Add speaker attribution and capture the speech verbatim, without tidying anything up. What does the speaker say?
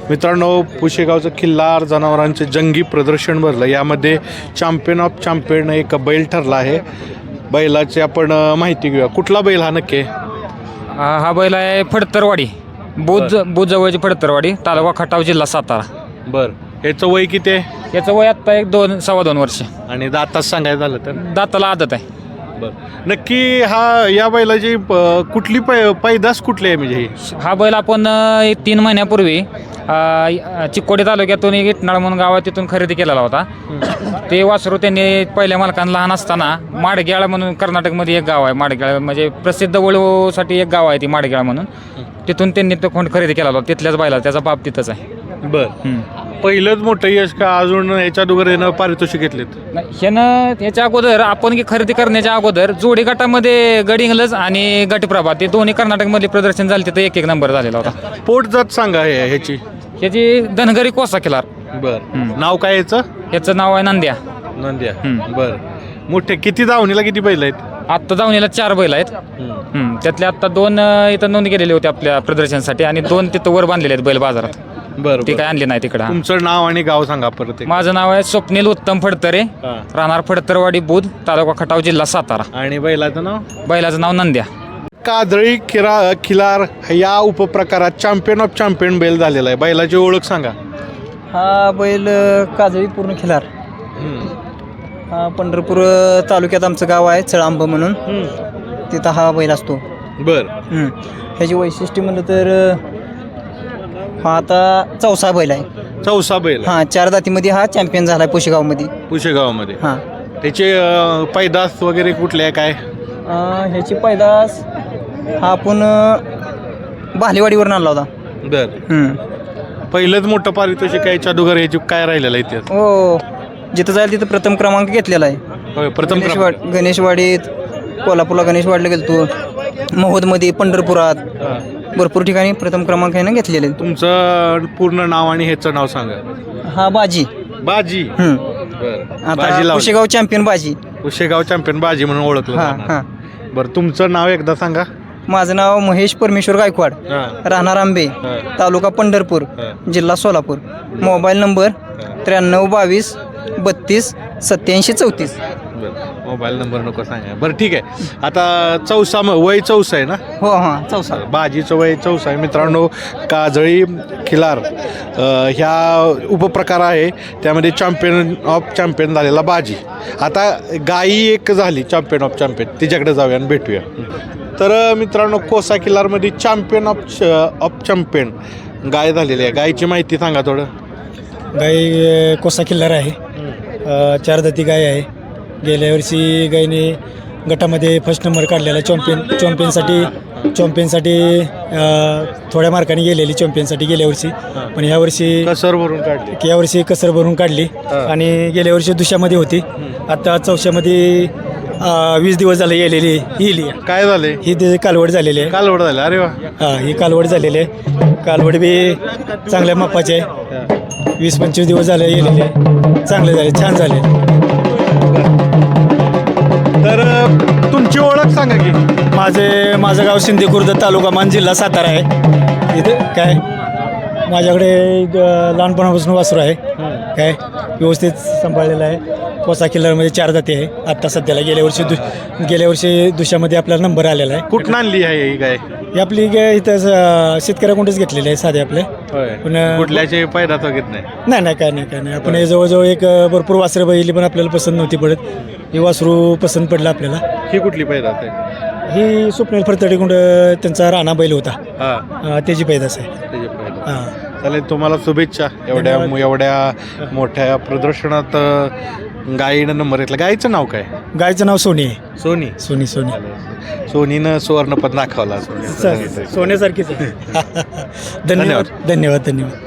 Speaker 1: मित्रांनो, पुशेगावचं खिल्लार जनावरांचे जंगी प्रदर्शन भरलं. यामध्ये चॅम्पियन ऑफ चॅम्पियन एक बैल ठरला आहे. बैलाची आपण अ, माहिती घेऊया. कुठला बैल हा नक्की आहे?
Speaker 2: हा हा बैल आहे फडतरवाडी, बुज बुजवळची फडतरवाडी, तालुका खटाव, जिल्हा सातारा.
Speaker 1: बरं, याचं वय किती आहे
Speaker 2: याचं वय आत्ता एक दोन सव्वा दोन वर्ष.
Speaker 1: आणि दाताच सांगायचं झालं तर?
Speaker 2: दाताला आदत आहे.
Speaker 1: बरं, नक्की हा या बैलाची अ, कुठली पै पैदास कुठली आहे म्हणजे ही?
Speaker 2: हा बैल आपण अ, एक तीन महिन्यापूर्वी अ, चिक्कोडी तालुक्यातून एक इटनाळ म्हणून गाव आहे, तिथून खरेदी केलेला होता. ते वासरू त्यांनी पहिल्या मालकांना लहान असताना माडग्याळ म्हणून कर्नाटकमध्ये एक गाव आहे. माडग्याळ म्हणजे प्रसिद्ध वळूसाठी एक गाव आहे ती माडग्याळ म्हणून. तिथून त्यांनी तो खोंड खरेदी केला होता. तिथल्याच बैला, त्याचा बाप तिथंच आहे.
Speaker 1: बरं, पहिलंच मोठं यश का अजून याच्या अगोदर यानं पारितोषिक घेतलेत?
Speaker 2: नाही, ह्यानं याच्या अगोदर आपण की खरेदी करण्याच्या अगोदर जोडी गटामध्ये गडिंगलज आणि गटप्रभा ते दोन्ही कर्नाटकमधले प्रदर्शन झाले, तिथं एक एक नंबर झालेला होता.
Speaker 1: पोट जात सांगा हे ह्याची.
Speaker 2: ह्याची धनगरी कोसा खिलार.
Speaker 1: बरं, नाव काय याचं?
Speaker 2: ह्याचं नाव आहे नंद्या.
Speaker 1: नंद्या.
Speaker 2: हम्म.
Speaker 1: बरं, मोठे किती धावणीला किती बैल आहेत?
Speaker 2: आत्ता दावणीला चार बैल आहेत. हम्म. त्यातले आत्ता दोन अ, इथं नोंद केलेले होते आपल्या प्रदर्शनासाठी आणि दोन तिथं वर बांधलेले आहेत बैल बाजारात.
Speaker 1: बरं,
Speaker 2: ते काय आणले नाही तिकडं.
Speaker 1: तुमचं नाव आणि गाव सांगा परत एक.
Speaker 2: माझं नाव आहे स्वप्नील उत्तम फडतरे,
Speaker 1: हा.
Speaker 2: राहणार फडतरवाडी, बुध, तालुका खटाव, जिल्हा सातारा.
Speaker 1: आणि बैलाचं नाव?
Speaker 2: बैलाचं नाव नंद्या.
Speaker 1: काजळी खिरा खिलार या उपप्रकारात चॅम्पियन ऑफ चॅम्पियन बैल झालेला आहे. बैलाची ओळख सांगा.
Speaker 3: हा बैल काजळी पूर्ण खिलार. हा पंढरपूर तालुक्यात आमचं गाव आहे चळांब म्हणून, तिथं हा बैल असतो.
Speaker 1: बर,
Speaker 3: हम्म. ह्याची वैशिष्ट्य म्हणलं तर हा आता चौसा बैल आहे.
Speaker 1: चौसा बैल
Speaker 3: हा चार जातीमध्ये हा चॅम्पियन झाला आहे पुशेगावमध्ये.
Speaker 1: पुशेगावमध्ये.
Speaker 3: हां
Speaker 1: त्याचे अं, पैदास वगैरे कुठले आहे काय?
Speaker 3: ह्याची पैदास हा आपण भालेवाडीवरून आणला होता.
Speaker 1: बर,
Speaker 3: हम्म.
Speaker 1: पहिलंच मोठं पारितोषिक आहे जादूगर याची काय राहिलेलं आहे त्यात?
Speaker 3: हो, जिथं जाईल तिथं प्रथम क्रमांक घेतलेला आहे.
Speaker 1: होय, प्रथम क्रमांक.
Speaker 3: गणेशवाड गणेशवाडीत, कोल्हापूरला गणेशवाडीला गेलतो, महोदमध्ये, पंढरपुरात,
Speaker 1: हा.
Speaker 3: भरपूर ठिकाणी प्रथम क्रमांक ह्यानं घेतलेले.
Speaker 1: तुमचं पूर्ण नाव आणि ह्याचं नाव सांगा.
Speaker 3: हा बाजी.
Speaker 1: बाजी.
Speaker 3: हम्म.
Speaker 1: बर,
Speaker 3: आता
Speaker 1: बाजी लावली.
Speaker 3: पुशेगाव चॅम्पियन बाजी.
Speaker 1: पुशेगाव चॅम्पियन बाजी म्हणून ओळखलं
Speaker 3: हां
Speaker 1: जाणार.
Speaker 3: हां.
Speaker 1: बरं, तुमचं नाव एकदा सांगा.
Speaker 3: माझं नाव महेश परमेश्वर गायकवाड,
Speaker 1: हां.
Speaker 3: राहणार आंबे,
Speaker 1: हां.
Speaker 3: तालुका पंढरपूर,
Speaker 1: हां.
Speaker 3: जिल्हा सोलापूर. मोबाईल नंबर त्र्याण्णव बावीस बत्तीस सत्याऐंशी चौतीस.
Speaker 1: बरं, मोबाईल नंबर नको सांगा. बरं, ठीक आहे. आता चौसा म- वय चौसा आहे ना?
Speaker 3: हो हां चौसा.
Speaker 1: बाजीचं वय चौसा आहे. मित्रांनो, काजळी खिलार अ, ह्या उपप्रकार आहे, त्यामध्ये चॅम्पियन ऑफ चॅम्पियन झालेला बाजी. आता गाई एक झाली चॅम्पियन ऑफ चॅम्पियन, तिच्याकडे जाऊया आणि भेटूया. तर अ, मित्रांनो, कोसा खिलारमध्ये चॅम्पियन ऑफ ऑफ चॅम्पियन गाय झालेली आहे. गायची माहिती सांगा थोडं.
Speaker 4: गाय कोसा किल्लार आहे. अ, चार जाती गाय आहे. गेल्या वर्षी गायने गटामध्ये फर्स्ट नंबर काढलेला. चॅम्पियन चॅम्पियनसाठी चॅम्पियनसाठी थोड्या मार्काने गेलेली चॅम्पियनसाठी गेल्या वर्षी. पण ह्या वर्षी
Speaker 1: कसर भरून काढली.
Speaker 4: या वर्षी कसर भरून काढली. आणि गेल्या वर्षी दुसऱ्यामध्ये होती. आता चौशामध्ये अ, वीस दिवस झाले गेलेली येईल.
Speaker 1: काय झाले?
Speaker 4: ही त्याची कालवड झालेली आहे.
Speaker 1: कालवड झाले. अरे वा.
Speaker 4: हां, ही कालवड झालेली आहे. कालवड बी चांगल्या मापाची आहे. वीस पंचवीस दिवस झाले गेलेले आहे. चांगले झाले, छान झाले.
Speaker 1: तर अ, तुमची ओळख सांगा की.
Speaker 4: माझे माझं गाव शिंदे खुर्द, तालुका मान, जिल्हा सातारा आहे. इथे काय माझ्याकडे अ, लहानपणापासून वासरू आहे. काय व्यवस्थित सांभाळलेलं आहे. कोसा किल्लारमध्ये चार जाती आहे. आत्ता सध्याला गेल्या वर्षी दु गेल्या वर्षी दुसऱ्यामध्ये आपला नंबर आलेला आहे.
Speaker 1: कुठून आणली आहे ही गाय?
Speaker 4: ही आपली गाय इथं अ, शेतकऱ्याकडूनच घेतलेली आहे साधे आपले.
Speaker 1: होय,
Speaker 4: पण
Speaker 1: कुठल्याचे पैदात वगैरे नाही?
Speaker 4: नाही नाही काय नाही काय नाही. आपण हे जवळजवळ एक अ, भरपूर वासरं बघितली, पण आपल्याला पसंत नव्हती पडत. ही वासरू पसंत पडलं आपल्याला.
Speaker 1: ही कुठली पैदात आहे?
Speaker 4: ही स्वप्नील फडतडेकुंड त्यांचा राणा बैल होता.
Speaker 1: हा,
Speaker 4: अ, त्याची पैदास आहे.
Speaker 1: त्याची पैदात.
Speaker 4: हां,
Speaker 1: चालेल, तुम्हाला शुभेच्छा. एवढ्या एवढ्या मोठ्या प्रदर्शनात अ, गायीनं नंबर घेतला. गायीचं नाव काय?
Speaker 4: गायचं नाव सोनी आहे.
Speaker 1: सोनी.
Speaker 4: सोनी सोनी
Speaker 1: सोनीनं सुवर्णपद दाखवला. सोनी
Speaker 4: सोन्यासारखीच आहे. धन्यवाद धन्यवाद धन्यवाद.